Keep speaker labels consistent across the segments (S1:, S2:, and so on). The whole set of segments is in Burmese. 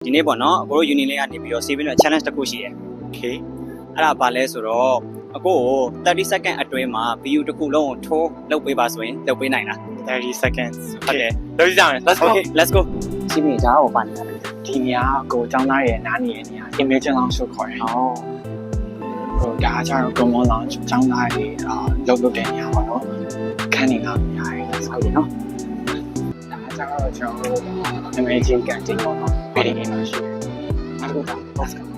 S1: ဒီနေ့ပေါ့နော်အကိုတို့ union လေးကနေပြီးတော့ saving နဲ့ challenge တစ်ခုရှိတယ် okay အဲ့ဒါဘာလဲဆိုတော့အကိုကို30 second အတွင်းမှာ view တစ်ခုလုံးကိုထိုးလုပ်ပေးပါဆိုရင်လုပ်ပေးနိုင်လား
S2: 30 seconds
S1: ဟုတ်တယ်
S2: လုပ်ကြမယ် let's go
S1: okay let's go စီးပြီးဒါကိုပါနေတယ်
S2: ဒီနေရာကိုကျောင်းသားရဲ့နားနေနေရ image လောင်းဆိုခေါ်တယ်
S1: ဟော
S2: ဟိုဒါကျတော့ common လောင်းကျောင်းသားတွေလုပ်တဲ့နေရာပါတော့ခန်းနေလားများတယ်
S1: ဟုတ်တယ်နော်
S2: ဒါကျတော့ကျွန်တော်တို့ image ကန်တင်ပေါ့နော်ပြည်နေမှာရှိတယ်အဲ့ဒါတော့ let's go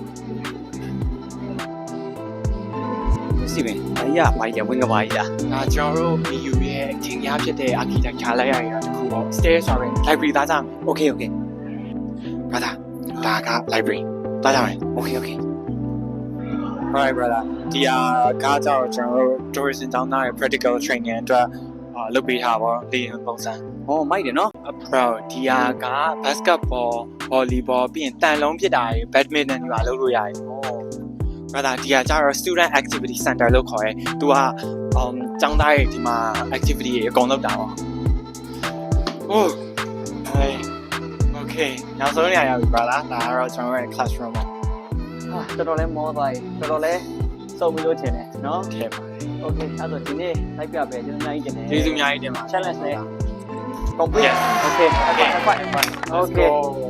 S1: စီးပြီးဘာကြီးကဘာကြီးဝင်ကဘာကြီးလား
S2: ဒါကျွန်တော်တို့ BU ရဲ့အထင်များဖြစ်တဲ့ architecture လိုက်ရရတာတခုပေါ့ stairs ဆိုရင် library သားကြမယ်
S1: okay okay
S2: ဘာသာဒါက library သားကြမယ်
S1: okay okay
S2: alright brother ဒီကကြောင့်ကျွန်တော်တို့ tourism တောင်းတာ practical training အတွက်လုပ်ပေးထားပါလေပုံစံ
S1: ဟောမိုက်တယ်နော်
S2: bro ဒီက basketball volleyball ပြီးရင်တန်လုံးပစ်တာတွေ badminton တွေပါလုပ်လို့ရတယ် brother ဒီကကျတော့ student activity center လို့ခေါ်ရဲသူကကျောင်းသားတွေဒီမှာ activity တွေအကုန်လုပ်တာပါ oh hey okay နောက်ဆုံးနေရာရောက်ပြီ brother ဒါကတော့ကျွန်တော်ရဲ့ classroom ပါ
S1: ဟာတော်တော်လေးမောသွားပြီတော်တော်လေးစုံပြီးလို့ထင်တယ်နော်
S2: ထဲပါတယ်
S1: okay အဲ့တော့ဒီနေ့လိုက်ပြပဲကျွန်တော်အများကြီးတင်တယ်
S2: ကျေးဇူးအများကြီးတင်ပါတယ်
S1: challenge နဲ့ complete
S2: Yes.
S1: okay
S2: Okay.
S1: okay
S2: Let's
S1: okay
S2: go.